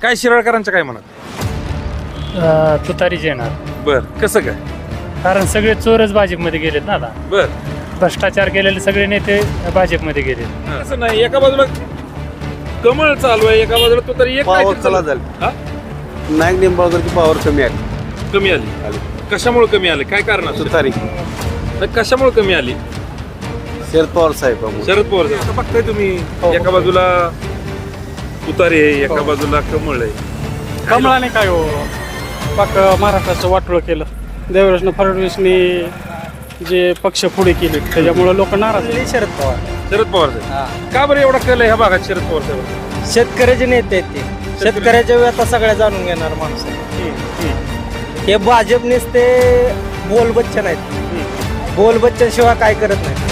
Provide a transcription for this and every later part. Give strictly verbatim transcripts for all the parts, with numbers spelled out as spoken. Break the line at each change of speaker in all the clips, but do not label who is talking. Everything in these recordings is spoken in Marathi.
काय शिराळकरांचं काय म्हणत?
तुतारीच येणार.
बर, कसं काय?
कारण सगळे चोरच भाजपमध्ये गेलेत ना आता.
बर,
भ्रष्टाचार केलेले सगळे नेते भाजपमध्ये गेलेत.
असं नाही, एका बाजूला कमळ चालू आहे, एका बाजूला तो तरी एक
पावर
काहीतरी
चला
चालू.
झाली.
हा?
नाईक निंबाळकरची पावर कमी आली.
कमी आली. कशामुळे कमी आली? काय कारण असतं?
तुतारी
कशामुळे कमी आली?
शरद पवार साहेब
शरद पवार साहेब. आता बघताय तुम्ही, एका बाजूला तुतारी आहे, एका बाजूला कमळ आहे.
कमळाने काय हो पाक महाराष्ट्राचं वाटोळं केलं. देवेंद्र फडणवीसनी जे पक्ष पुढे केले त्याच्यामुळे लोक नाराज आहेत.
शरद पवार
शरद पवार साहेब. का बरं एवढा कल आहे ह्या भागात शरद पवार साहेब?
शेतकऱ्याचे नेते आहेत ते. शेतकऱ्याच्या व्यथा सगळ्या जाणून घेणार माणूस आहे. हे भाजपनेच ते बोल बच्चन आहेत. बोल बच्चन शिवाय काय करत नाही.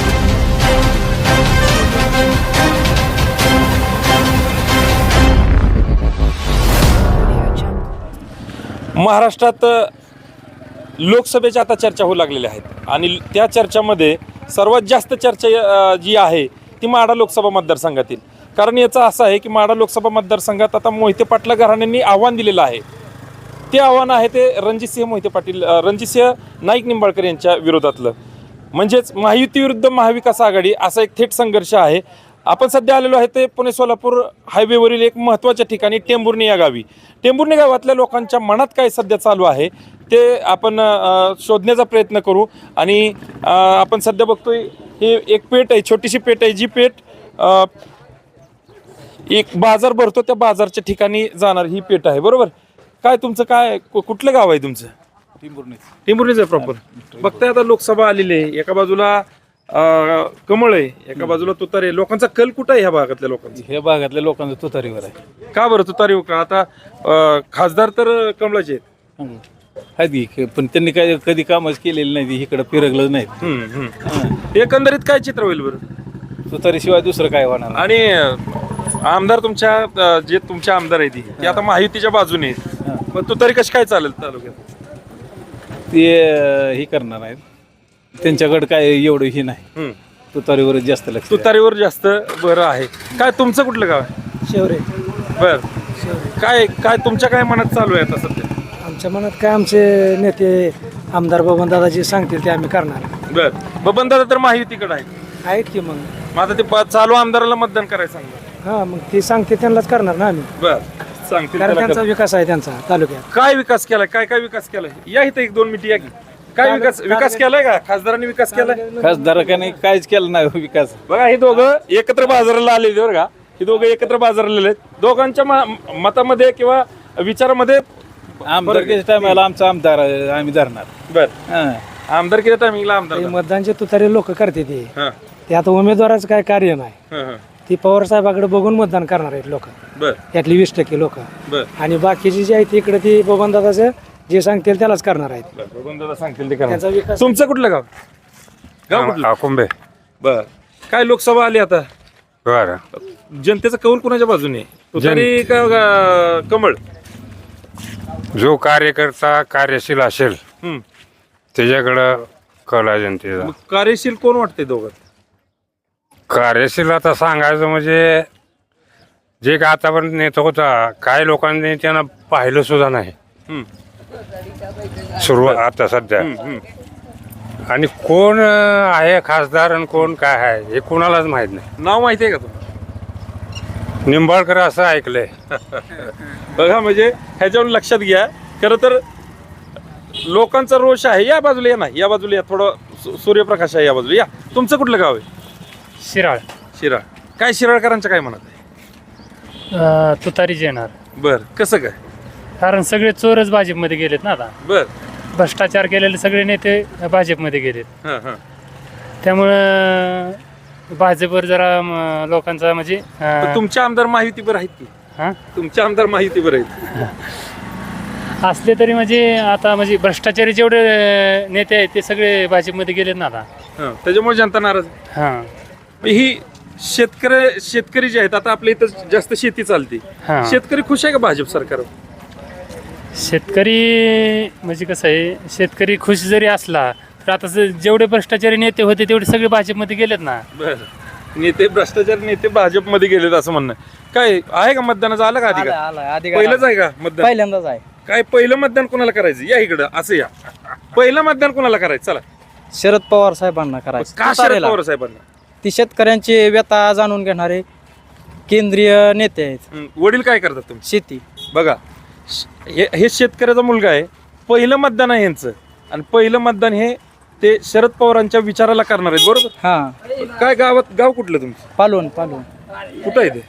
महाराष्ट्रात लोकसभेच्या आता चर्चा होऊ लागलेल्या आहेत आणि त्या चर्चामध्ये सर्वात जास्त चर्चा अ, जी आहे ती माढा लोकसभा मतदारसंघातील. कारण याचं असं आहे की माढा लोकसभा मतदारसंघात आता मोहिते पाटील घराण्यांनी आव्हान दिलेलं आहे. ते आव्हान आहे ते रणजितसिंह मोहिते पाटील अ, रणजितसिंह नाईक निंबाळकर यांच्या विरोधातलं. म्हणजेच महायुती विरुद्ध महाविकास आघाडी असा एक थेट संघर्ष आहे. आपण सध्या आलेलो आहे ते पुणे सोलापूर हायवेवरील एक महत्त्वाच्या ठिकाणी टेंभुर्णी या गावी. टेंभुर्णी गावातल्या लोकांच्या मनात काय सध्या चालू आहे ते आपण अ, शोधण्याचा प्रयत्न करू. आणि अ, आपण सध्या बघतोय हे एक पेठ आहे, छोटीशी पेठ आहे, जी पेठ अ, एक बाजार भरतो त्या बाजारच्या ठिकाणी जाणार ही पेठ आहे. बरोबर. काय तुमचं काय कु- कुठलं गाव आहे तुमचं?
टिंबुर्णी
टिंभुर्णीच आहे प्रॉपर. बघताय आता लोकसभा आलेली आहे, एका बाजूला अ, कमळ आहे, एका बाजूला तुतारी आहे. लोकांचा कल कुठं आहे ह्या भागातल्या लोकांचा?
हे भागातल्या लोकांचं तुतारीवर आहे.
का बरं तुतारी हो का? आता अ, खासदार तर कमळाचे आहेत.
आहेत की पण त्यांनी काय कधी कामच केलेलं नाही, इकडं फिरकलं नाही.
हम्म, हम्म. एकंदरीत काय चित्र होईल बरं?
तुतारीशिवाय दुसरं काय होणार नाही.
आणि अ, आमदार तुमच्या अ, जे तुमचे आमदार आहेत ते आता महायुतीच्या बाजूने आहेत. मग तुतारी कशी काय चालेल तालुक्यात?
ते अं, हे करणार आहेत, त्यांच्याकडे काय एवढं हे नाही.
हम्म.
तुतारीवरच जास्त लक्ष द्या.
तुतारीवर जास्त बरं आहे. काय तुमचं कुठलं गाव आहे?
शेवरे.
बर. काय काय तुमच्या काय मनात चालू आहे आता सध्या?
आमच्या मनात काय आमचे नेते आमदार बबन दादा जे सांगतील ते आम्ही करणार.
बर. बबन दादा तर महायुतीकडे आहेत.
आहेत की मग.
मग आता ते प- चालू आमदाराला मतदान करायचं सांगा.
हा मग ते सांगते त्यांनाच करणार ना आम्ही.
बर. सांगतील
कारण
त्याला
त्यांचा
कर.
विकास आहे त्यांचा तालुक्यात.
काय विकास केलाय? काय काय विकास केलाय? या इथं एक दोन मिनिट या की. काय विकास विकास केलाय का? खासदारांनी विकास केलाय?
खासदारकाने काहीच केलं नाही विकास.
बघा हे दोघं एकत्र बाजाराला आलेले बरं का. हे दोघं एकत्र बाजाराला आलेले आहेत. दोघांच्या म- मतामध्ये किंवा विचारामध्ये
आमदारकीच्या टायमाला आमचा आमदार आहे, आम्ही धरणार.
बर.
हां.
आमदार केल्या टायमिंगला आमदार
ते मतदानचे तुतारे लोक करते ते.
हा.
ते आता उमेदवाराचं काय कार्य नाही.
हा, हा.
ती पवार साहेबाकडे बघून मतदान करणार आहेत लोक.
बर.
यातली वीस टक्के लोक.
बर.
आणि बाकीची जी आहेत इकडे ती बबन दादाचं जे सांगतील त्यालाच करणार आहेत.
बर. बबन दादा सांगतील ते करा.
त्यांचा विकास.
तुमचं कुठलं गाव? गाव कुठलं?
कुंभे
बर. काय लोकसभा आली आता?
बर
जनतेचा कौल कुणाच्या बाजूने? तुतारी का का कमळ?
जो कार्यकर्ता कार्यशील असेल
हम्म.
त्याच्याकडं कल आहे जनतेचा.
मग कार्यशील कोण वाटते दोघात?
कार्यशील आता सांगायचं म्हणजे जे का आतापर्यंत नेता होता काही लोकांनी त्यांना पाहिलं सुद्धा नाही
हम्म.
सुरुवात आता सध्या.
हम्म, हम्म.
आणि कोण अं, आहे खासदार आणि कोण काय आहे हे कोणालाच माहित नाही.
नाव माहिती आहे का तुम्हाला?
निंबाळकर असं ऐकलंय.
बघा म्हणजे ह्याच्यावर लक्षात घ्या. खरं तर लोकांचा रोष आहे. या बाजूला या ना, या बाजूला या. थोडं सू- सूर्यप्रकाश आहे या बाजूला या. तुमचं कुठलं गाव आहे?
शिराळ.
शिराळ. काय शिराळकरांचं काय म्हणत आहे?
तुतारीच येणार.
बर. कसं काय?
कारण सगळे चोरच भाजपमध्ये गेलेत ना आता.
बर.
भ्रष्टाचार केलेले सगळे नेते भाजपमध्ये गेलेत.
हां, हां.
त्यामुळं भाजपवर जरा म, लोकांचा म्हणजे
पण
अं,
तुमचे आमदार माहितीवर आहेत की?
हा?
तुमचे आमदार माहितीवर आहेत.
असले तरी म्हणजे आता म्हणजे भ्रष्टाचारी जेवढे अं, नेते आहेत ते सगळे भाजपमध्ये गेलेत ना आता.
हां. त्याच्यामुळे जनता नाराज आहे.
हां.
मग ही शेतकरी शेतकरी जे आहेत आता आपल्या इथं जास्त शेती चालते.
हां.
शेतकरी खुश आहे का भाजप सरकार?
शेतकरी म्हणजे कसं आहे, शेतकरी खुश जरी असला तर आता जे- जेवढे भ्रष्टाचारी नेते होते तेवढे सगळे भाजपमध्ये गेलेत ना.
बर. नेते भ्रष्टाचार नेते भाजपमध्ये गेलेत असं म्हणणं आहे. काय आहे का मतदानाचं आलं का अधिकार पहिलंच आहे का मतदान
पहिल्यांदाच आहे.
काय पहिलं मतदान कोणाला करायचं या इकडं असं या पहिलं मतदान कोणाला करायचं चला
शरद पवार साहेबांना करायचं.
का शरद पवार साहेबांना
ती शेतकऱ्यांची व्यथा जाणून घेणारे केंद्रीय नेते आहेत.
हं, वडील काय करतात तुम्ही
शेती
बघा श- हे हे शेतकऱ्याचा मुलगा आहे पहिलं मतदान आहे यांचं आणि पहिलं मतदान हे ते शरद पवारांच्या विचाराला करणार आहेत बरोबर
हा
काय गावात गाव कुठलं तुमचं
पालवण पालवण
कुठं आहे ते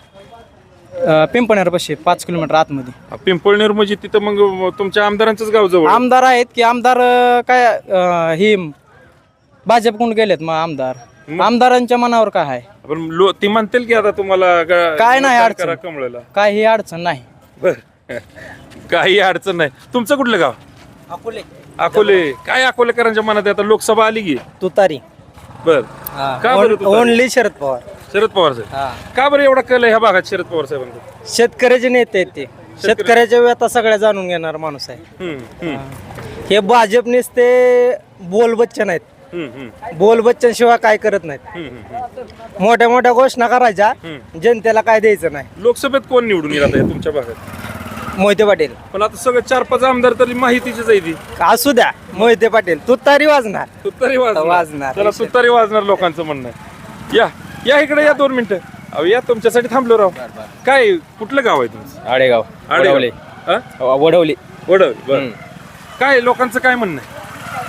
पिंपणेर पाचशे पाच किलोमीटर आतमध्ये.
हा, पिंपळनेर म्हणजे तिथं मग तुमच्या आमदारांचंच गाव जवळ आहे.
आमदार आहेत की आमदार अं, काय अं, ही भाजपकडून गेलेत मग आमदार. आमदारांच्या मनावर काय आहे
पण लो ती म्हणतील की आता तुम्हाला गा-
काय नाही
मतदान
अडचण.
करा कमळाला
काय ही अडचण नाही.
बर काही अडचण नाही तुमचं कुठलं गाव
अकोले
अकोले काय अकोलेकरांच्या मनात आहे? आता लोकसभा आली की
तुतारी
बर का बरं तुतारी?
ओनली शरद पवार.
शरद पवार साहेब का बरं एवढा कल आहे ह्या भागात शरद पवार साहेबांचा
शेतकऱ्याचे नेते आहेत ते. शेतकऱ्याच्या व्यथा सगळ्या जाणून घेणार माणूस आहे.
हम्म, हम्म,
हे भाजपनेच ते बोल बच्चन आहेत.
हम्म, हम्म,
बोल बच्चन शिवाय काय करत नाहीत.
हम्म, हम्म.
मोठ्या मोठ्या घोषणा करायच्या
हम्म.
जनतेला काय द्यायचं नाही.
लोकसभेत कोण निवडून येत आहे तुमच्या भागात
मोहिते पाटील
पण आता सगळं चार पाच आमदार तरी माहितीचीच आहे ती
असू द्या. मोहिते पाटील तुतारी वाजणार.
तुतारी वाजणार
वाजणार.
त्याला तुतारी वाजणार लोकांचं म्हणणं आहे. या या इकडे या दोन मिनिटं अहो या तुमच्यासाठी थांबलो राव काय कुठलं गाव आहे तुमचं
आडेगाव
आडेगाव. हा?
वडवली.
वडवली बरं काय लोकांचं काय म्हणणं आहे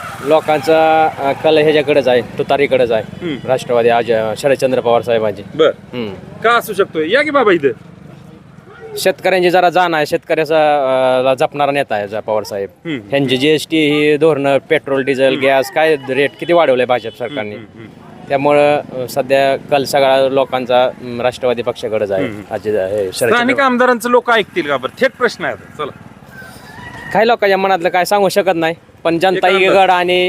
लोकांचा कल ह्याच्याकडेच आहे तुतारीकडेच आहे.
हम्म.
राष्ट्रवादी आज शरदचंद्र पवार साहेबांची.
बर
हम्म.
का असू शकतोय या की बाबा इथं
शेतकऱ्यांची जरा जाण आहे शेतकऱ्याचा अं, जपणारा नेता आहे जा पवार साहेब.
हम्म.
ह्यांची जीएसटी ही धोरणं पेट्रोल डिझेल गॅस काय रेट किती वाढवले भाजप सरकारने. त्यामुळं अं, सध्या कल सगळा लोकांचा अं, राष्ट्रवादी पक्षाकडेच आहे. आज हे
स्थानिक
शरदचंद्र
आमदारांचं लोक ऐकतील का बरं थेट प्रश्न आहे आता. चला
काही लोकांच्या मनातलं काय सांगू शकत नाही पण जनता
एक
इकड आणि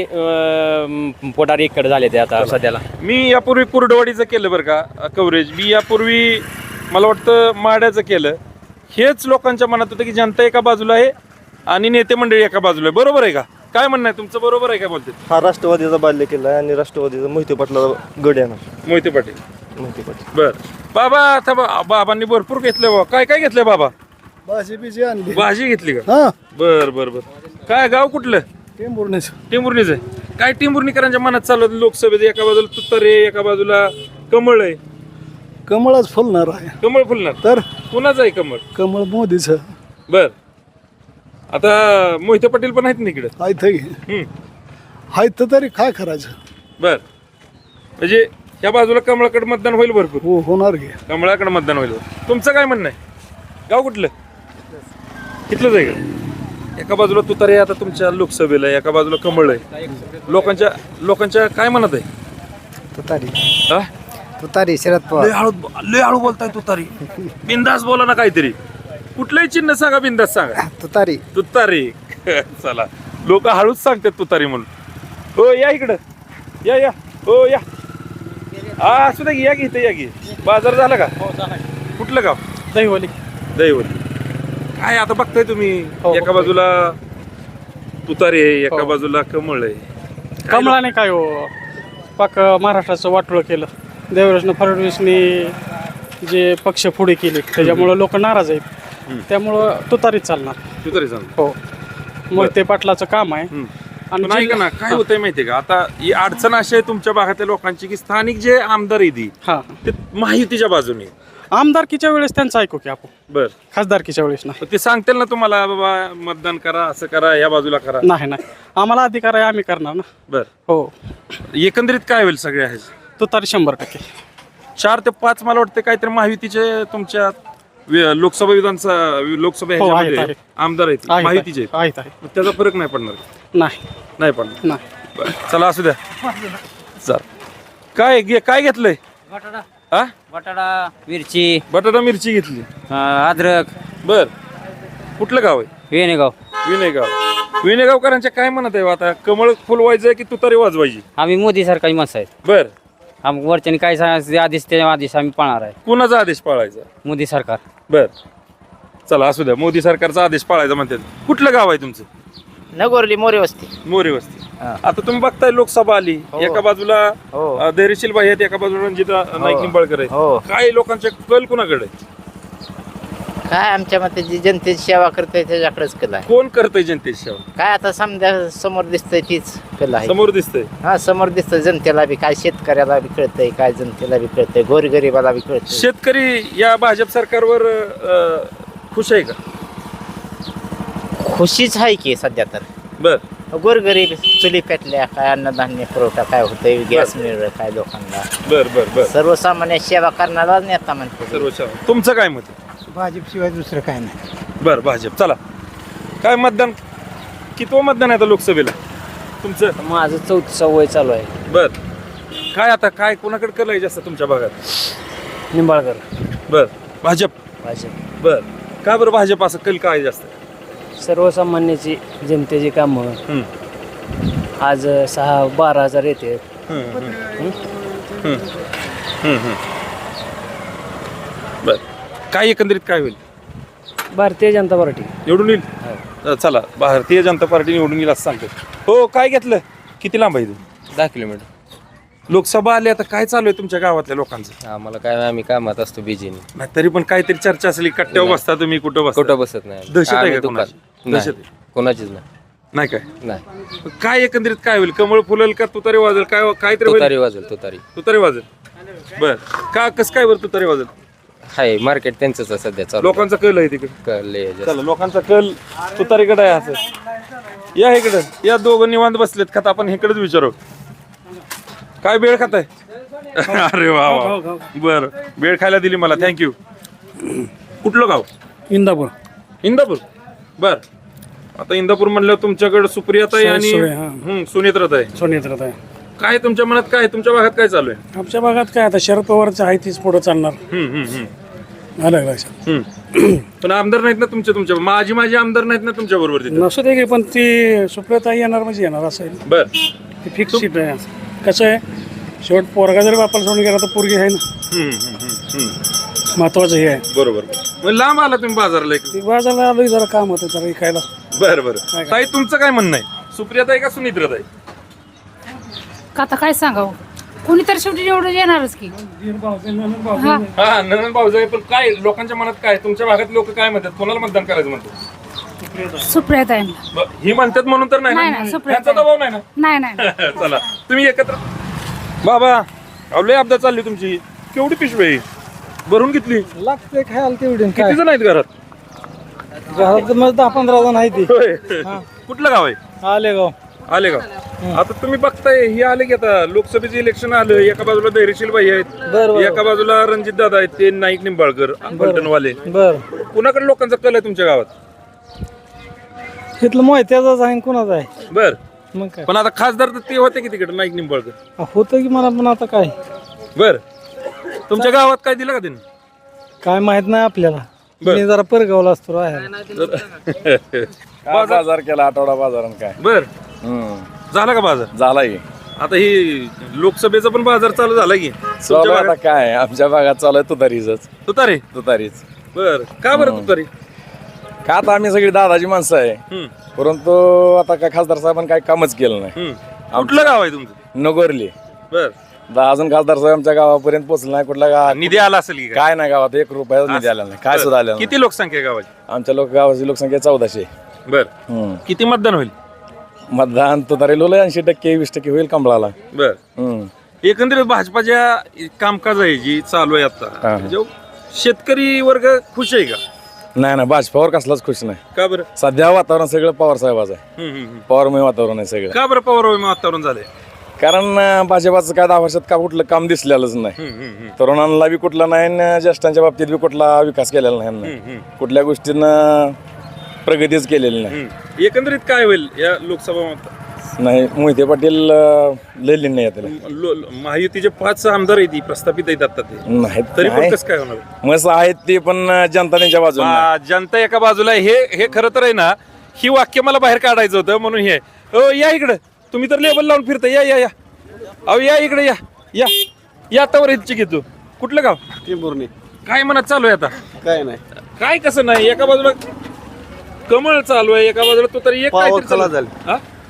अं, पुढारी इकडे झाले ते आता सध्याला.
मी यापूर्वी कुर्डवाडीचं केलं बरं का कव्हरेज मी यापूर्वी मला वाटतं माड्याचं केलं हेच लोकांच्या मनात होतं की जनता एका बाजूला आहे आणि नेते मंडळी एका बाजूला आहे बरोबर आहे का काय म्हणणं आहे तुमचं बरोबर आहे का बोलते
हा राष्ट्रवादीचा बाल्य किल्ला आहे आणि राष्ट्रवादीचा मोहिते पाटला गड येणार.
मोहिते पाटील
मोहिते पाटील
बर बाबा आता बा- बाबांनी भरपूर घेतलं बाबा काय काय घेतलंय बाबा
भाजी बिजी आणली.
भाजी घेतली का
हा
बर बर बर काय गाव कुठलं
टेंभुर्णीच.
टिंबुर्णीच आहे काय टिंबुर्णीकरांच्या मनात चालू होतं लोकसभेत एका बाजूला तुतारे एका बाजूला कमळ आहे
कमळच फुलणार आहे.
कमळ फुलणार
तर
कुणाचं आहे कमळ
कमळ मोदीचं
बर आता मोहिते पाटील पण आहेत ना इकडे
आहे
हम्म.
आहेत तरी काय करायचं.
बर म्हणजे या बाजूला कमळाकडे मतदान होईल भरपूर
हो होणार घे.
कमळाकडे मतदान होईल तुमचं काय म्हणणं आहे गाव कुठलं तिथलंच आहे का एका बाजूला तुतारे आता तुमच्या लोकसभेला आहे, एका बाजूला कमळ आहे लोकांच्या लोकांच्या काय म्हणत आहे
तुतारी
हा?
तुतारी शरद
लय हळू लय हळू बोलताय तुतारी बिंदास बोला ना काहीतरी कुठलंही चिन्ह सांगा बिंदास सांगा
तुतारी.
तुतारी चला लोक हळूच सांगतात तुतारी म्हणून हो या इकडं या या हो या हा असू द्या की या की इथं या की बाजार झाला का कुठलं गाव
दहिवली.
दैवली काय आता बघताय तुम्ही एका बाजूला तुतारी आहे एका बाजूला कमळ आहे काय
कमळाने काय हो पाक महाराष्ट्राचं वाटोळं केलं. देवराज फडणवीसनी जे पक्ष पुढे केले त्याच्यामुळं लोक नाराज आहेत. त्यामुळं तुतारीच चालणार.
लोक- तुतारी सांग
हो मोहिते पाटलाचं काम आहे.
पण ऐका ना काय होतंय माहितीये का आता ही अडचण अशी आहे तुमच्या भागातल्या लोकांची की स्थानिक जे आमदार आहे ती
हा
ते माहितीच्या बाजूने
आमदारकीच्या वेळेस त्यांचं ऐकू की आपण
बर
खासदारकीच्या वेळेस नाही.
ते सांगतील ना तुम्हाला बाबा मतदान करा असं करा या बाजूला करा
नाही नाही आम्हाला अधिकार आहे आम्ही करणार ना.
बर
हो
एकंदरीत काय होईल सगळे आहे
तुतारी शंभर टक्के.
चार ते पाच मला वाटतं काहीतरी महायुतीचे तुमच्या वि- लोकसभा विधानसभा लोकसभा
हो, आहेत,
ह्याच्यामध्ये
आहेत.
आमदार आहेत
आहेत,
माहितीचे आहेत
आहेत आहेत
मग त्याचा फरक नाही पडणार
नाही
नाही पडणार
नाही.
बरं, चला असू द्या चल काय घे काय घेतलंय हा
बटाटा मिरची
बटाटा मिरची घेतली
अद्रक
बर कुठलं गाव आहे
वेणेगाव.
विनयगाव विनयगावकरांच्या काय म्हणत आहे आता कमळ फुलवायचं की तुतारी वाजवायची
आम्ही मोदी सरकारी माणसं आहेत.
बर
आम्ही वरच्याने काय सांगायचं आधीच त्या आधीच आम्ही पाळणार आहे.
कुणाचा आदेश पाळायचा
मोदी सरकार.
बर चला असू द्या मोदी सरकारचा आदेश पाळायचा म्हणतात कुठलं गाव आहे तुमचं
नगोरली मोरे वस्ती.
मोरे वस्ती
हा.
आता तुम्ही बघताय लोकसभा आली,
हो.
एका बाजूला
हो.
अ, धैर्यशील भाई आहेत, एका बाजूला रणजित नाईक निंबाळकर
हो.
आहेत. काय लोकांचे कल कुणाकडे आहे?
काय आमच्या मते जी जनतेची सेवा करते त्याच्याकडेच कला आहे.
कोण करतंय जनतेची सेवा?
काय आता समजा समोर दिसतंय तीच कला आहे.
समोर दिसतंय.
हा समोर दिसतं जनतेला बी, काय शेतकऱ्याला बी कळतंय, काय जनतेला बी कळतंय, गोरगरिबाला बी कळतंय.
शेतकरी या भाजप सरकारवर अ, खुश आहे का?
खुशीच आहे की सध्या तर.
बर
गोरगरीब चुली पेटल्या, काय अन्नधान्य पुरवठा काय होतंय, गॅस मिळलं काय लोकांना.
बर बर बर
सर्वसामान्य सेवा करणारा नेता म्हणतो.
सर्व सेवा. तुमचं काय मत आहे?
भाजपशिवाय दुसरं काय नाही.
बर भाजप. चला, काय मतदान कितवं मतदान आहे आता लोकसभेला तुमचं?
माझं चौथी सवय चालू आहे.
बर काय आता काय कोणाकडे कल आहे जास्त तुमच्या भागात?
निंबाळकर.
बर भाजप.
भाजप.
बर का बरं भाजप असं कल काय जास्त?
सर्वसामान्याची जनतेची कामं.
हम्म.
आज सहा बारा हजार येते.
हम्म, हम्म. हम्म. हम्म, हम्म. बर काय एकंदरीत काय होईल?
भारतीय जनता पार्टी.
निवडून येईल. अ, चला, भारतीय जनता पार्टी निवडून येईल असं सांगतो. हो, काय घेतलं? किती लांब आहे तू?
दहा किलोमीटर.
लोकसभा आली, आता काय चालू आहे तुमच्या गावातल्या लोकांचं?
आम्हाला काय आम्ही कामात असतो बिजीने.
नाही, तरी पण काहीतरी चर्चा असली. कट्ट्यावर
नाही.
बसता तुम्ही, कुठं बसता?
कुठं बसत नाही.
दहशत आहे
आम्ही
का
दुकान-
कोणाची? दहशत
नाही,
आहे?
कोणाचीच नाही.
नाही काय?
नाही.
काय एकंदरीत काय होईल? कमळ फुलेल का तुतारी वाजेल? काय काहीतरी होईल?
तुतारी वाजल तुतारी.
तुतारी वाजेल. बर का कसं काय बरं तुतारी वाजेल?
हाय मार्केट त्यांचंच आहे सध्या चालू.
लोकांचा कल आहे तिकडे.
कळले जास्त.
चला, लोकांचा कल तुतारीकडे आहे असं. या इकडे या, दोघं निवांत बसलेत. खाता आपण इकडेच विचारू. काय बेळ खाताय? अरे वा वा. बर, बेळ खायला दिली मला, थँक्यू. कुठलं गाव?
इंदापूर.
इंदापूर. बर, आता इंदापूर म्हणल्यावर तुमच्याकडे सुप्रियाताई आणि
सोय, हा.
हम्म, सुनेत्राताई.
सोनेत्रात आहे.
काय तुमच्या मनात काय, तुमच्या भागात काय चालू आहे?
आमच्या भागात काय आता शरद पवारचं आहे तीच पुढं चालणार.
हम्म, हम्म, हम्म.
आलं का लक्षात?
हम्म. पण आमदार नाहीत ना तुमच्या तुमच्या माझी माझी आमदार नाहीत ना तुमच्या बरोबर तिथे?
नसू दे की, पण ती सुप्रियाताई येणार म्हणजे येणार असं आहे.
बर.
ती फिक्स सीट आहे. कसं आहे, शेवट पोरगा जरी बापाला सोडून गेला तर पोरगी आहे ना,
हम्म, हम्म, हम्म, हम्म.
महत्वाचं हे आहे.
बरोबर. मग लांब आला तुम्ही बाजारला.
ती बाजारला आलोय, जरा काम होतं जरा इकायला.
बरं बरं. ताई, तुमचं काय म्हणणं आहे? सुप्रियाताई का सुनित्राताई?
का आता काय सांगावं, कोणीतरी शेवटी निवडून येणारच की. हा.
हा, नंदन भाऊजाई. पण काय लोकांच्या मनात काय, तुमच्या भागात लोक काय म्हणतात, कोणाला मतदान करायचं म्हणतात?
सुप्रियाताईंना.
ब- ही म्हणतात म्हणून तर नाही
नाही,
ना?
नाही,
त्यांचा
सुप्रियाताई.
दबाव नाही ना?
नाही नाही
चला, तुम्ही एकत्र. बाबा, अवले अपघात चालली तुमची. केवढी पिशवी आहे? भरून घेतली?
लागते खायला तेवढी.
किती जण आहेत घरात?
घरात मग दहा पंधरा जण आहे ती.
होय. कुठलं गाव आहे?
आलेगाव.
आलेगाव. आता तुम्ही बघताय, हे आले की आता लोकसभेचे इलेक्शन आलं. एका बाजूला धैर्यशील भाई आहेत, एका बाजूला रणजित दादा आहेत, ते नाईक निंबाळकर पलटणवाले.
बर,
कुणाकडे लोकांचा कल आहे तुमच्या गावात?
इथलं मोहित्याचाच आहे, कोणाचं आहे?
बर.
मग काय
पण आता खासदार तर ते होते की तिकडे, नाईक निंबाळकर.
होतं की मला, पण आता काय
बर. तुमच्या गावात काय दिलं का त्यांनी?
काय माहित नाही आपल्याला.
बर.
मी जरा परगावला असतो राहायला.
बाजार
बाजार केला आठवडा बाजारात काय
बर. झाला का बाजार?
झालाय.
आता ही लोकसभेचा पण बाजार चालू झाला की तुमच्या
आता
भागात?
काय आमच्या भागात चालू आहे तुतारीच
तुतारे.
तुतारीच.
बर, का बरं तुतारी?
का आता आम्ही सगळी दादाची माणसं आहे,
हम्म,
परंतु आता काय खासदार साहेबांनी काय कामच केलं नाही.
हम्म. कुठलं गाव आहे तुमचं?
नगरली.
बर.
दहा अजून खासदार साहेब आमच्या गावापर्यंत पोहोचला नाही. कुठला गाव
निधी आला असेल की काय?
काय नाही गावात एक रुपया निधी आला नाही. काय सुद्धा आलं नाही.
किती लोकसंख्या आहे गावाची?
आमच्या लोक गावाची लोकसंख्या चौदाशे.
बर.
हम्म.
किती मतदान होईल?
मतदान तुतारी लोला ऐंशी टक्के वीस टक्के होईल कमळाला.
बर.
हम्म.
एकंदरीत भाजपाच्या कामकाज आहे जी चालू आहे आता,
हा.
जो शेतकरी वर्ग खुश आहे का?
नाही ना, भाजपावर कसलाच खुश नाही.
का बरं?
सध्या वातावरण सगळं पवार साहेबाचं आहे.
हम्म, हम्म, हम्म.
पवारमय वातावरण आहे सगळं.
का बरं पवार वातावरण झालंय?
कारण अं, भाजपाचं काय दहा वर्षात का कुठलं काम दिसलेलंच नाही.
हम्म, हम्म, हम्म.
तरुणांना बी कुठला नाही आणि ज्येष्ठांच्या बाबतीत बी कुठला विकास केलेला नाही यांना.
हम्म, हम्म.
कुठल्या गोष्टीनं प्रगतीच केलेली नाही.
हम्म. एकंदरीत काय होईल या लोकसभा मत-
नाही मोहिते पाटील अं, लय नाही त्याला.
लो- लो- महायुतीचे पाच आमदार आहेत, प्रस्थापित आहेत आता ते,
नाही
तरी पण
नाही.
कसं काय होणार?
मस्त आहेत ते, पण अं, जनता त्यांच्या बाजूला नाही.
बा- जनता एका बाजूला आहे. हे हे खरं तर आहे ना, ही वाक्य मला बाहेर काढायचं होतं म्हणून हे. हो, या इकडं. तुम्ही तर लेबल लावून फिरता. या या या अहो, या इकडे या या या आता वर इच्छिक घेतो. कुठलं गाव?
टिंबुर्णी.
काय मनात चालू आहे आता?
काय नाही,
काय कसं नाही, एका बाजूला कमळ चालू आहे, एका बाजूला तो तरी एक
पावर
काहीतरी चालू
कला
आहे. हा?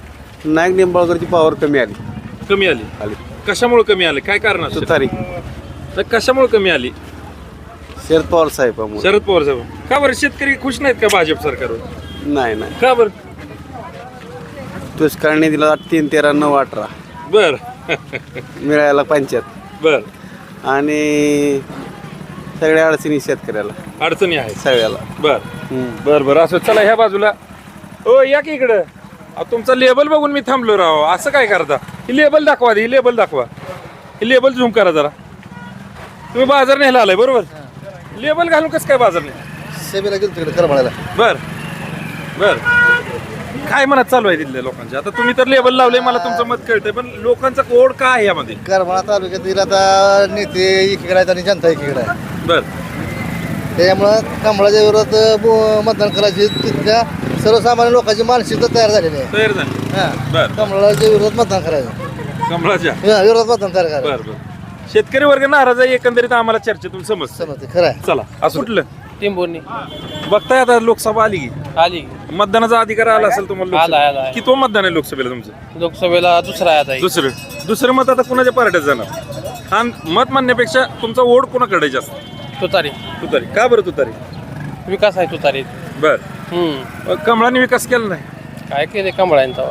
नाईक निंबाळकरची पॉवर कमी आली
कमी आली
आली
कशामुळे कमी आली काय कारण असतं
तुतारी
तर कशामुळे कमी आली
शरद पवार साहेबामुळे
शरद पवार साहेब का बरं शेतकरी खुश नाहीत का भाजप सरकारवर
नाही नाही
का बरं
दुष्काळने दिला तीन तेरा नऊ अठरा
बर
मिळायला पंचायत
बर
आणि सगळ्या अडचणी शेतकऱ्याला
अडचणी आहेत
सगळ्याला
बर बर बर असं चला ह्या बाजूला ओ या की इकडं अहो, तुमचा लेबल बघून मी थांबलो राव असं काय करता ही लेबल दाखवा ही लेबल दाखवा ही लेबल झूम करा जरा तुम्ही बाजार न्यायला आलाय बरोबर लेबल घालून कसं काय बाजार नाही
सेवेला गेलो तिकडे कर म्हणायला
बर बर काय मनात चालू आहे तिथल्या लोकांच्या आता तुम्ही तर लेबल लावलंय मला तुमचं मत कळतंय पण लोकांचा कोड काय आहे यामध्ये
करमाळा तालुक्यातील आता नेते एकीकडे आहेत आणि जनता एकीकडे आहे
बर
त्याच्यामुळं कमळाच्या विरोधात बो- मतदान करायची तिथल्या सर्वसामान्य लोकांची मानसिकता तयार झालेली आहे
तयार झाली
हां
बर
कमळाच्या विरोधात मतदान करायचं
कमळाच्या
हा, विरोधात मतदान तयार करायचं
बर बर शेतकरी वर्ग नाराज आहे एकंदरीत आम्हाला चर्चेतून समजतं
समजते खरं आहे
चला असं कुठलं
टिंबोर्णी
बघताय आता लोकसभा आली की
आली
मतदानाचा अधिकार आला असेल तुम्हाला
आला, आला,
लोकसभेला.
आला.
किती मतदान आहे लोकसभेला तुमचं
लोकसभेला दुसरा आहे आता
दुसरं दुसरं मत आता कुणाच्या पार्ट्यात जाणार हा मत म्हणण्यापेक्षा तुमचा ओढ कोणाकडे जास्त
तुतारी
तुतारी का बरं तुतारी
विकास आहे तुतारी
बर
हम्म
मग कमळाने विकास केला नाही
काय केले कमळांचा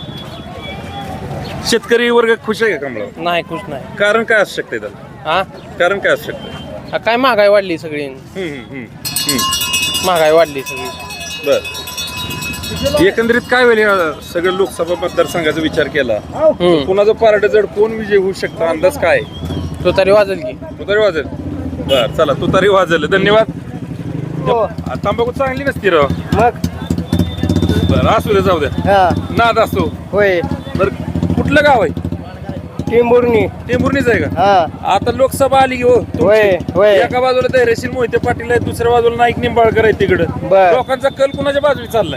शेतकरी वर्ग खुश आहे का कमळावर
नाही खुश नाही
कारण काय असू शकते त्याला
हा
कारण काय असू शकतं
हा, काय महागाई वाढली सगळी
हम्म, हम्म, हम्म, हम्म.
महागाई वाढली सगळी
बर एकंदरीत काय होईल या सगळं लोकसभा मतदारसंघाचा विचार केला
हम्म.
कुणाचं पार्ट जड कोण विजय होऊ शकतो अंदाज काय
तुतारी वाजेल की
तुतारी वाजेल बर चला तुतारी वाजेल धन्यवाद तांबाखू चांगली नसती राव
मग
बर असू दे जाऊ द्या नाद असतो
होय
बर कुठलं गाव आहे
टिंबोर्णी
टेंभुर्णीच आहे का
हा
आता लोकसभा आली की हो तुमची.
होय होय
एका बाजूला धैर्यशील मोहिते पाटील आहे दुसऱ्या बाजूला नाईक निंबाळकर आहे तिकडं
बर.
लोकांचा कल कुणाच्या बाजूला चाललाय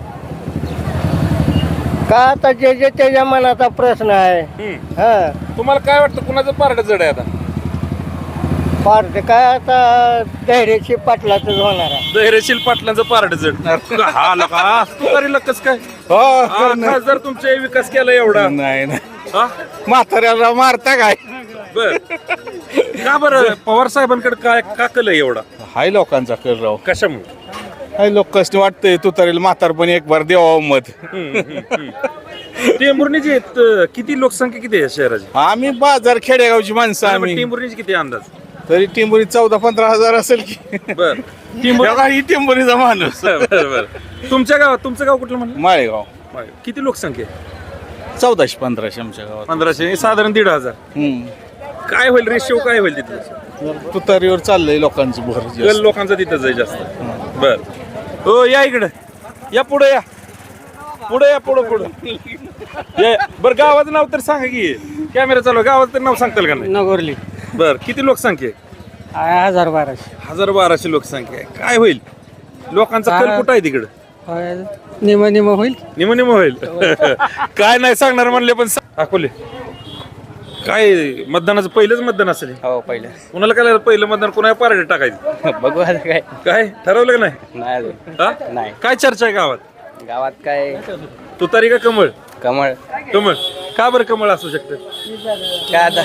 का आता जे जे त्याच्या मनाचा प्रश्न आहे
हम्म.
हा
तुम्हाला काय वाटतं कुणाचं पार्ट जड आहे आता
पार्ट काय आता धैर्यशी पाटलाच होणार आहे
धैर्यशील पाटलांचं पार्ट जड हा लका तुतारीला कस काय हा, खासदार तुमचे विकास केला एवढा
नाही नाही
हा?
म्हाताऱ्याला मारता काय
बर का बरं पवार साहेबांकडे काय का कल आहे एवढा
हाय लोकांचा कर राव
कशामुळे
हाय लोक कसं वाटतंय तुतारीला म्हातारपणी एक बार द्यावं मत
टेंभुर्णीची आहेत, किती लोकसंख्या किती आहे शहराची
आम्ही बाजार खेडेगावची माणसं आम्ही
टेंभुर्णीची किती आहे अंदाज
तरी टिंबुरी चौदा पंधरा हजार असेल की
बर
बघा, ही टिंबुरीचा माणूस
बर बर तुमच्या गावात तुमचं गाव कुठलं म्हणलं
माळेगाव
किती लोकसंख्या आहे
चौदाशे पंधराशे आमच्या गावात
पंधराशे साधारण दीड हजार
हम्म.
काय होईल रेशिओ काय होईल तिथलं
तुतारीवर चाललंय लोकांचं भर
कल
जास्त.
लोकांचा तिथं जाईल जास्त बर हो या इकडं या पुढे या पुढे या पुढं पुढं या बरं गावाचं नाव तर सांगा की कॅमेरा चालू आहे. गावाचं तर नाव सांगताल का नाही
नगोरली
बर किती लोकसंख्या आहे
हजार बाराशे
हजार बाराशे लोकसंख्या आहे काय होईल लोकांचा कल कुठं आहे तिकडं
निम निम होईल
निम निम होईल काय नाही सांगणार म्हणले पण सा- अकोले काय मतदानाचं पहिलंच मतदान असेल
हो पहिलं
कुणाला काय पहिलं मतदान कुणा पार्टी टाकायचं
बघू आता काय
काय ठरवलं का नाही
नाही अजून.
हा?
नाही.
काय चर्चा आहे गावात
गावात काय
तुतारी का कमळ
कमळ
कमळ का बरं कमळ असू शकतं
काय आता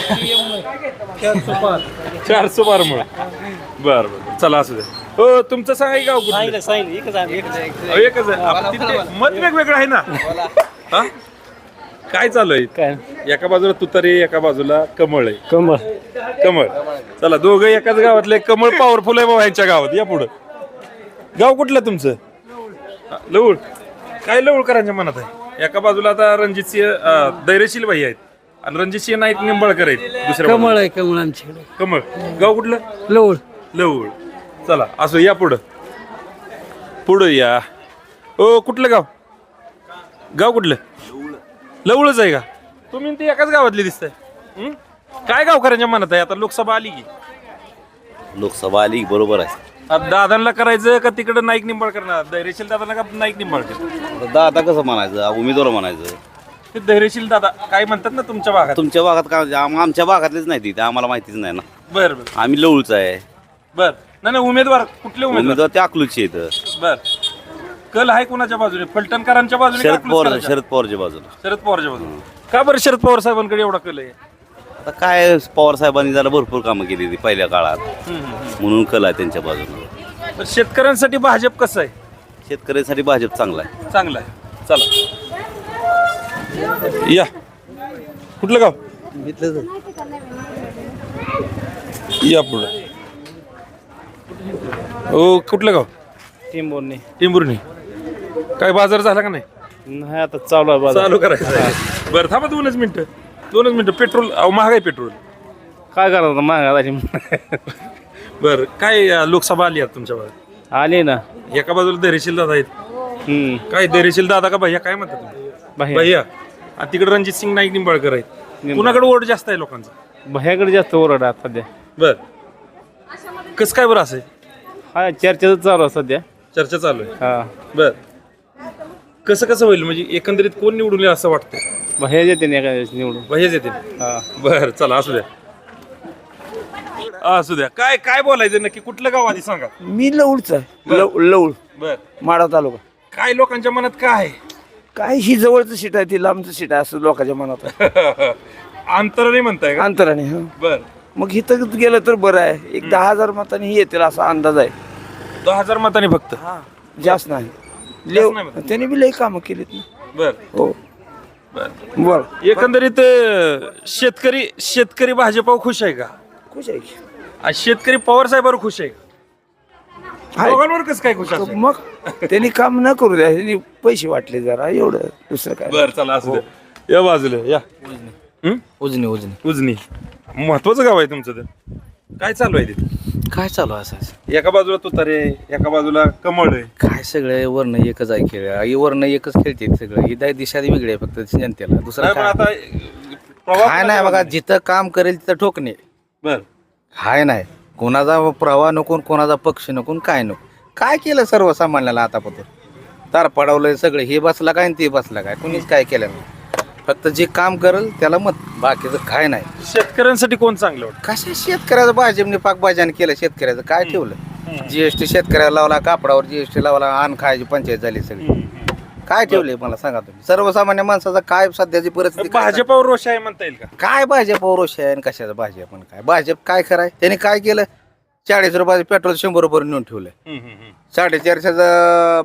चार सो बार मुळे बर बर चला असू दे हो तुमचं सांगा की गाव कुठलं? अहो, एकच आहे आपण तिथे मत वेगवेगळं आहे ना हा? काय चालू आहे एका बाजूला तुतारी एका बाजूला कमळ आहे
कमळ
कमळ चला दोघं एकाच गावातले कमळ पॉवरफुल आहे बाबा यांच्या गावात या पुढं गाव कुठलं तुमचं हा, लवळ काय लवळकरांच्या मनात आहे एका बाजूला आता रणजित सिंह धैर्यशील भाई आहेत आणि रणजित सिंह नाईक निंबाळकर आहेत दुसऱ्या
कमळ
बाजूला.
आहे कमळ आमच्याकडे
कमळ गाव कुठलं
लवळ
लवळ चला असं या पुढं पुढं या ओ कुठलं गाव गाव कुठलं लवळच आहे का तुम्ही ते एकाच गावातले दिसताय हं? काय गावकऱ्यांच्या मनात आहे आता लोकसभा आली की
लोकसभा आली बरोबर आहे
आता दादांना करायचं का तिकडं नाईक निंबाळकर ना धैर्यशील दादांना का नाईक निंबाळकर
दादा कसं म्हणायचं उमेदवार म्हणायचं
ते धैर्यशील दादा काय म्हणतात ना तुमच्या भागात
तुमच्या भागात काय आम- आमच्या भागातलेच नाही ते आम्हाला माहितीच नाही ना
बर बर
आम्ही लवळच आहे
बर नाही नाही उमेदवार कुठले उमेदवार
उमेदवार ते अकलूजचे आहेत
बर कल आहे कोणाच्या बाजूने? फलटणकरांच्या बाजूने का
शरद पवार
अकलूजकरांच्या?
शरद पवारच्या बाजूला.
शरद पवारच्या बाजूने. का बरं शरद पवार साहेबांकडे एवढा कल आहे?
आता काय पवार साहेबांनी जरा भरपूर कामं केली ती पहिल्या काळात, म्हणून कल आहे त्यांच्या बाजूला.
तर शेतकऱ्यांसाठी भाजप कसं आहे?
शेतकऱ्यांसाठी भाजप चांगला आहे.
चांगलं आहे. चला या. कुठलं गाव? या पुढं. ओ कुठलं गाव?
टिंबोर्णी
टिंबुर्णी. काय बाजार झाला का नाही?
नाही आता चालू आहे बाजार.
चालू करायचं आहे. बरं थांबा दोनच मिनिटं दोनच मिनिटं पेट्रोल अहो महाग आहे पेट्रोल.
काय करायचं महागा
बरं काय अं, लोकसभा आली आहे तुमच्या भागात?
आले ना.
एका बाजूला धैर्यशील दादा आहेत.
हम्म.
काय धैर्यशील दादा का भैया काय म्हणतात तुम्ही? भैया. आणि तिकडे रणजित सिंग नाईक निंबाळकर आहेत. कुणाकडे वोट जास्त आहे लोकांचा?
भयाकडे जास्त ओरड आहे सध्या.
बर कसं काय बरं असं आहे?
हा चर्चेच चालू आहे सध्या.
चर्चा चालू आहे.
हा
बर कसं कसं होईल म्हणजे एकंदरीत कोण निवडून येईल असं वाटतं?
भया येते ना एका दिवस निवडून.
भैयाच येतील.
हा
बर चला असू द्या असू द्या. काय काय बोलायचं नक्की? कुठलं गाव आधी सांगा.
मी लवळचा लवळ
बर
माडा तालुका.
काय लोकांच्या मनात काय आहे?
काय ही जवळचं सीट आहे ती लांबचं सीट आहे असं लोकांच्या मनात आहे.
अंतराने म्हणताय का?
अंतराने. हा
बर
मग इथं गेलं तर बरं आहे. एक दहा हजार मतांनी येतील असा अंदाज आहे.
दहा हजार मतांनी फक्त?
हा जास्त नाही.
जास्त नाही मतं.
त्यांनी बी लई कामं केलीत ना.
बर
हो
बर
बर
एकंदरीत अं, शेतकरी शेतकरी भाजपावर खुश आहे का?
खुश आहे की?
आणि शेतकरी पवार साहेबांवर खुश आहे का?
आहे.
दोघांवर कसं काय खुश असेल?
मग त्यांनी काम न करू द्या. त्यांनी पैसे वाटले जरा एवढं दुसरं काय.
बर चला असू द्या. या बाजूला या. हं?
उजनी उजनी
उजनी महत्वाचं गाव आहे तुमचं. तर काय चालू आहे तिथे?
काय चालू आहे असं?
एका बाजूला तुतारे एका बाजूला कमळ आहे.
काय सगळे वर्ण एकच आहे खेळ ही वर्ण एकच खेळते सगळं ही दिशा वेगळी आहे फक्त जनतेला दुसरं
नाही, पण
काय
आता प्रवाह
काय नाही बघा जिथं काम करेल तिथं ठोकणे
बर
हाय नाही कोणाचा प्रवाह नको कोणाचा पक्ष नको काय नको काय केलं सर्वसामान्याला आतापर्यंत तार पडवलंय सगळं हे बसला काय आणि ते बसला काय कोणीच काय केलं नाही फक्त जे काम करेल त्याला मत बाकीचं काय नाही.
शेतकऱ्यांसाठी कोण चांगलं वाटतं?
कशा शेतकऱ्याचं भाजपने पाकभाज्याने केलं शेतकऱ्याचं काय ठेवलं जीएसटी शेतकऱ्याला लावला कापडावर जीएसटी लावला अन्न खायची पंचायत झाली सगळी काय ठेवले मला सांगा तुम्ही सर्वसामान्य माणसाचा काय सध्याची परिस्थिती काय
भाजपावर रोष आहे म्हणता येईल का?
काय भाजप रोष आहे आणि कशाचं भाजप पण काय भाजप काय कराय त्याने काय केलं चाळीस रुपयाचं पेट्रोल शंभर रुपये नेऊन ठेवलंय
हम्म, हम्म, हम्म.
साडेचारशेचं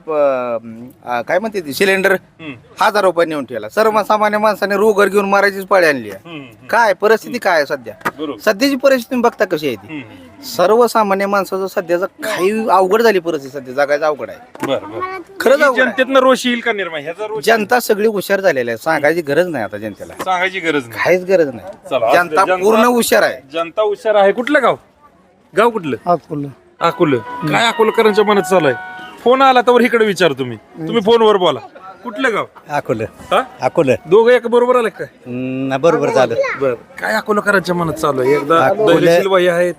प- आ, काय म्हणते ती सिलेंडर हजार रुपये नेऊन ठेवला सर्वसामान्य माणसाने रोगर घेऊन मारायचीच पाळी आणली आहे.
हम्म,
काय परिस्थिती काय आहे सध्या
बरोबर.
सध्याची परिस्थिती तुम्ही बघता कशी आहे ती
हम्म.
सर्वसामान्य माणसाचं सध्याचं काही अवघड झाली परिस्थिती सध्या जगायचं अवघड आहे
बर बर
खरंच अवघड आहे.
जनतेतनं रोष येईल का निर्माण ह्याचा रोष
जनता सगळी हुशार झालेली आहे सांगायची गरज नाही आता जनतेला
सांगायची गरज नाही.
काहीच गरज
चला,
नाही
असू दे.
जनता
जनता-
पूर्ण हुशार आहे.
जनता हुशार आहे. कुठलं गाव? गाव कुठलं?
अकोला.
अकोलं. काय अकोलकरांच्या मनात चालू आहे? फोन आला तर इकडे विचार तुम्ही तुम्ही फोनवर बोला. कुठलं गाव?
अकोलं
हा
अकोलं
दोघं एक बरोबर आले काय?
बरोबर झालं.
बर काय अकोलकरांच्या मनात चालू आहे? एकदा
अकोले-
धैर्यशील बाई आहेत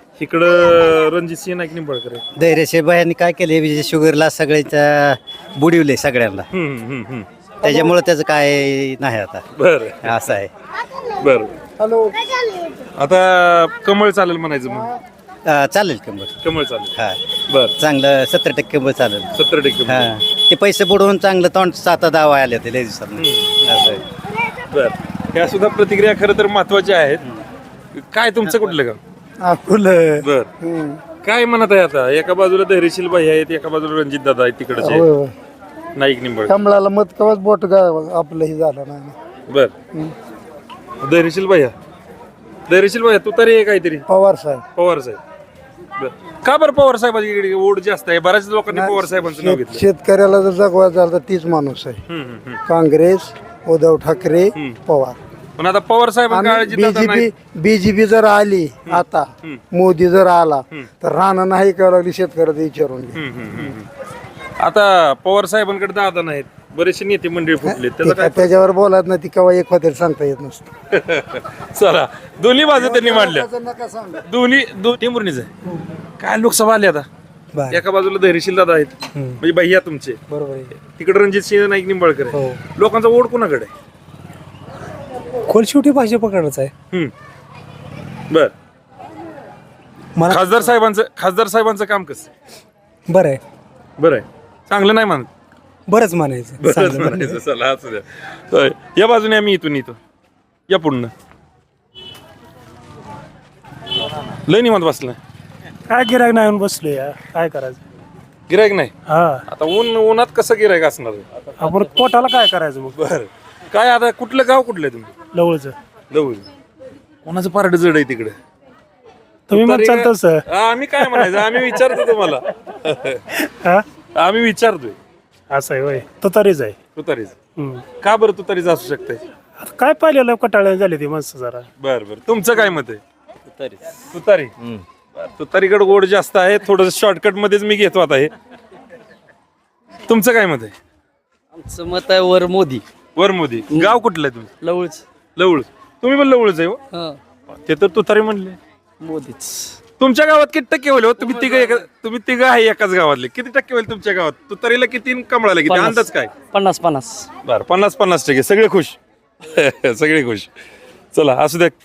इकडं रणजित सिंह नाईक निंबाळकर आहेत.
धैर्यशीबाईंनी काय केले शुगरला सगळ्याच्या बुडिवले सगळ्यांना
हम्म, हम्म, हम्म.
त्याच्यामुळे त्याचं काय नाही आता
बर
असं आहे.
बर आता कमळ चालेल म्हणायचं मग
अं, चालेल कंबर.
कमळ चालेल.
हा
बर
चांगलं सत्तर टक्के कंबर चालेल.
सत्तर टक्के
हा ते पैसे बुडवून चांगलं तोंड सात दावा आले होते लय दिवसात असं आहे.
बर ह्या सुद्धा प्रतिक्रिया खरं तर महत्वाच्या आहेत. काय तुमचं कुठलं गाव?
अकोला.
बर काय म्हणत आहे आता? एका बाजूला धैर्यशील बाई आहेत एका बाजूला रणजित दादा आहेत तिकडचे नाईक निंबाळकर.
कमळाला मत कवाच बोट आपलं हे झालं नाही.
बर धैर्यशील भैया धैर्यशील भैया तू तरी काहीतरी
पवार साहेब.
पवार साहेब. बर का बरं पवार साहेबांची इकडे ओढ जास्त आहे? बऱ्याच लोकांनी पवार साहेबांचं नाव घेतलं.
शेतकऱ्याला जर जगवा झालं तर तीच माणूस आहे.
हम्म, हम्म, हम्म.
काँग्रेस उद्धव ठाकरे पवार.
पण आता पवार साहेबांची
बीजेपी बीजेपी जर आली आता मोदी जर आला तर राहणं नाही करावं लागली शेतकऱ्याचं विचारून घे.
आता पवार साहेबांकडे दादा नाहीत बरेचसे नेते मंडळी फुटले त्याचा काय?
त्याच्यावर बोलत नाही ती केव्हा एक होते सांगता येत नसतं.
चला दोन्ही बाजू त्यांनी मांडल्या दोन्ही दोन टिंबुर्णीच आहे. काय लोकसभा आली आता एका बाजूला धैर्यशील दादा आहेत म्हणजे भैया तुमचे
बरोबर आहे.
तिकडे रणजित सिंह नाईक निंबाळकर आहे. लोकांचा वोट कोणाकडे आहे?
खोल शेवटी भाजपकडच आहे.
हम्म. बर खासदार साहेबांचं खासदार साहेबांचं काम कसं?
बरं आहे.
बरं आहे चांगलं नाही म्हणत
बरंच म्हणायचं
बरंच
चांगलं
म्हणायचं चला असू द्या. होय. या बाजूने आम्ही इथून येतो या पुढनं लय निवांत बसलाय
काय गिरायक नाही येऊन बसलो या काय करायचं
गिरायक नाही
हा
आता ऊन उन्हात कसं गिरायक असणार
आपण पोटाला काय करायचं मग
बर काय आता कुठलं गाव कुठलं आहे तुम्ही
लवळचं
जवळ कोणाचं पारड जड आहे तिकडे
तुम्ही मग चालतं सर
आम्ही काय म्हणायचं आम्ही विचारतो तुम्हाला
हा
आम्ही विचारतोय
असं आहे होय तो तरीच आहे
तुतारीच
हम्म.
का बरं तुतारीच असू शकते
आता काय पाहिलेलं कटाळ्या झाली ती माणसं जरा
बर बर तुमचं काय मत आहे तुतारी बरं, तुतारीकडे गोड जास्त आहे थोडस शॉर्टकट मध्येच मी घेतो आता हे तुमचं काय मत आहे
आमचं मत आहे वर मोदी
वर मोदी गाव कुठलं आहे तुम्ही
लवळच
लवळ तुम्ही पण लवळच आहे हो?
हां
ते तर तुतारी म्हणले
मोदीच
तुमच्या गावात किती टक्के होईल हो? तुम्ही तिघ एका तुम्ही तिघ आहे एकाच गावातले किती टक्के होईल तुमच्या गावात तुतारीला किती आणि कमळाला किती
पन्नास.
अंदाज काय
पन्नास पन्नास
बर पन्नास पन्नास टक्के सगळे खुश सगळे खुश चला असू द्या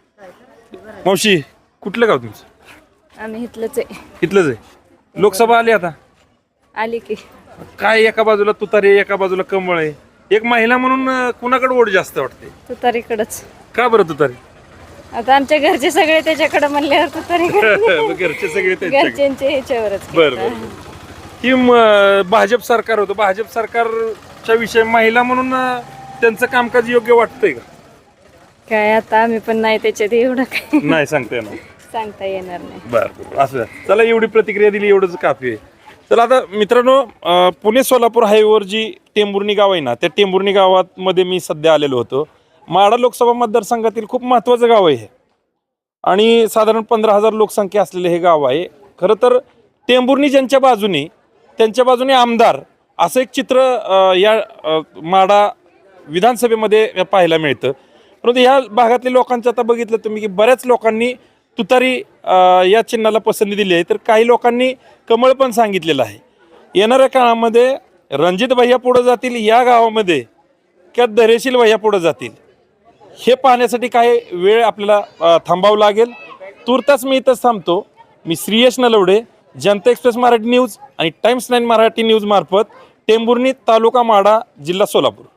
मावशी कुठलं गाव तुमचं
आम्ही इथलंच आहे
इथलंच आहे लोकसभा आली आता
आली की
काय एका बाजूला तुतारी आहे, एका बाजूला कमळ आहे एक महिला म्हणून अं, कुणाकडे ओढ जास्त वाटते
तुतारीकडंच
का बरं तुतारी
आता आमच्या घरचे सगळे त्याच्याकडे म्हणल्यावर तुतारीकडे
मग घरचे सगळे त्यांच्याकडे.
घरच्यांचे ह्याच्यावरच
बरं बरं ही म- भाजप सरकार होतं भाजप सरकारच्या विषय महिला म्हणून अं, त्यांचं कामकाज योग्य वाटतंय का
काय आता आम्ही पण नाही त्याच्यात एवढं काही
नाही सांगता येणार
सांगता येणार नाही
बरं बरं असं द्या. चला एवढी प्रतिक्रिया दिली एवढंच काफी आहे चला आता मित्रांनो अं, पुणे सोलापूर हायवेवर जी टेंभुर्णी गाव आहे ना त्या टेंभुर्णी गावात मध्ये मी सध्या आलेलो होतो माढा लोकसभा मतदारसंघातील खूप महत्त्वाचं गाव आहे हे आणि साधारण पंधरा हजार लोकसंख्या असलेले हे गाव आहे खरं तर टेंभुर्णी ज्यांच्या बाजूने त्यांच्या बाजूने आमदार असं एक चित्र अं, या अं, माढा विधानसभेमध्ये पाहायला मिळतं परंतु ह्या भागातल्या लोकांचं आता बघितलं तुम्ही की बऱ्याच लोकांनी तुतारी अं, या चिन्हाला पसंती दिली आहे तर काही लोकांनी कमळ पण सांगितलेलं आहे येणाऱ्या काळामध्ये रणजित भैया पुढं जातील या गावामध्ये किंवा धैर्यशील भैया पुढं जातील हे पाहण्यासाठी काही वेळ आपल्याला अं, थांबावं लागेल तुर्तास मी इथंच थांबतो मी श्रीयश नलवडे जनता एक्सप्रेस मराठी न्यूज आणि टाइम्स नाईन मराठी न्यूज मार्फत टेंभुर्णी तालुका माढा जिल्हा सोलापूर